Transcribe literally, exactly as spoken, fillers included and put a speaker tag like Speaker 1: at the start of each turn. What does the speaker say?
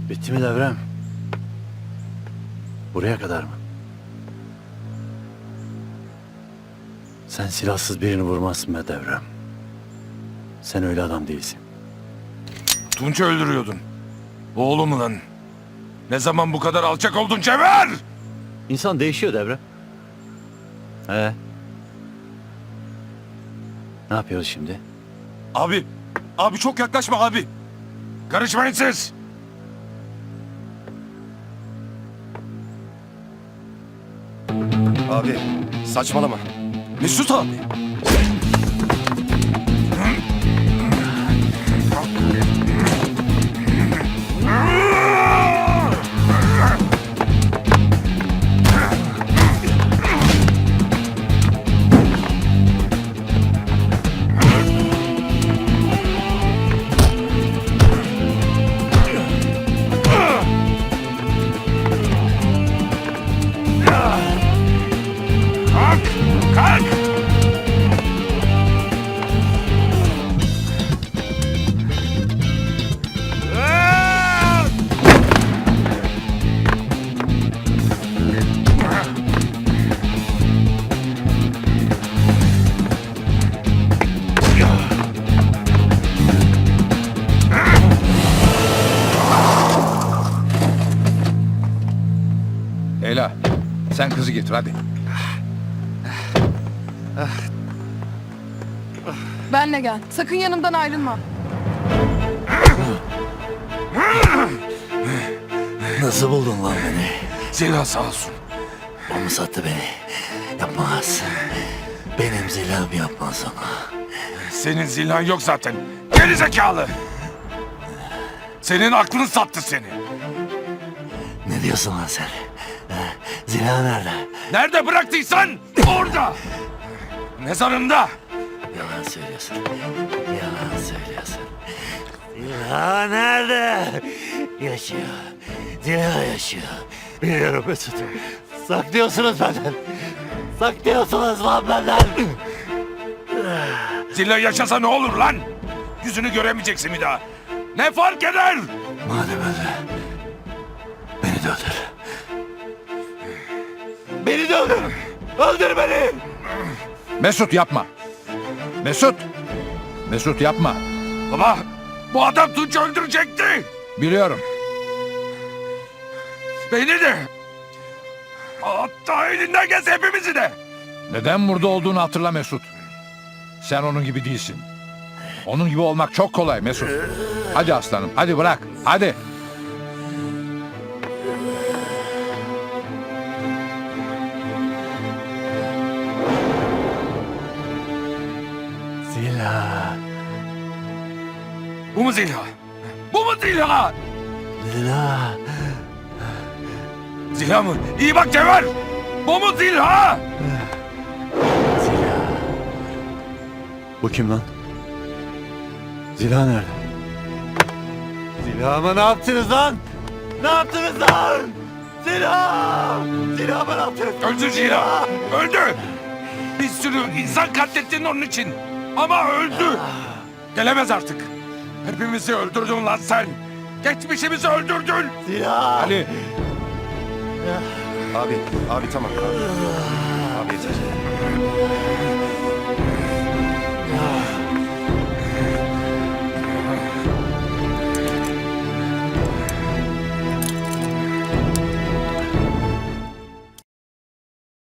Speaker 1: Bitti mi devrem? Buraya kadar mı? Sen silahsız birini vurmazsın be devrem. Sen öyle adam değilsin.
Speaker 2: Tunç'u öldürüyordun. Oğlumu lan. Ne zaman bu kadar alçak oldun Cevher?
Speaker 1: İnsan değişiyor devrem. He. Ne yapıyoruz şimdi?
Speaker 2: Abi, abi çok yaklaşma abi. Karışmayın siz.
Speaker 3: Abi saçmalama.
Speaker 2: Mesut abi. Kalk! Kalk!
Speaker 4: Leyla, sen kızı getir hadi.
Speaker 5: Benle gel. Sakın yanımdan ayrılma.
Speaker 1: Nasıl buldun lan beni?
Speaker 2: Zila sağ olsun.
Speaker 1: O mu sattı beni? Yapmaz. Benim zilahım yapmaz ona.
Speaker 2: Senin zilan yok zaten. Geri zekalı. Senin aklın sattı seni.
Speaker 1: Ne diyorsun lan sen? He? Zilah nerede?
Speaker 2: Nerede bıraktıysan orada. Mezarında.
Speaker 1: Yalan söylüyorsun. Yalan söylüyorsun. Zilah nerede? Yaşıyor. Zilah yaşıyor. Biliyorum Mesut. Saklıyorsunuz benden. Saklıyorsunuz lan benden.
Speaker 2: Zilla yaşasa ne olur lan? Yüzünü göremeyeceksin bir daha. Ne fark eder?
Speaker 1: Madem öyle. Beni de öldür. Beni de öldür. Öldür beni.
Speaker 4: Mesut yapma. Mesut. Mesut yapma.
Speaker 2: Baba, bu adam Tunç'u öldürecekti.
Speaker 4: Biliyorum.
Speaker 2: Beni de. Hatta elinden gelse hepimizi de.
Speaker 4: Neden burada olduğunu hatırla Mesut. Sen onun gibi değilsin. Onun gibi olmak çok kolay Mesut. Hadi aslanım, hadi bırak, hadi.
Speaker 1: Zilah.
Speaker 2: Bu mu Zilha? Bu mu Zilha?
Speaker 1: Zilah.
Speaker 2: Zilha mı? İyi bak Cevher. Bu mu Zilha?
Speaker 1: Zilah. Bu kim lan? Zilah nerede? Zilahıma ne yaptınız lan? Ne yaptınız lan? Zilah! Zilahıma ne yaptınız?
Speaker 2: Öldü Zilha. Öldü. Bir sürü insan katlettin onun için. Ama öldü. Gelemez artık. Hepimizi öldürdün lan sen. Geçmişimizi öldürdün.
Speaker 1: Zilah!
Speaker 4: Ali,
Speaker 3: Abi, abi tamam. Abi, abi yeter.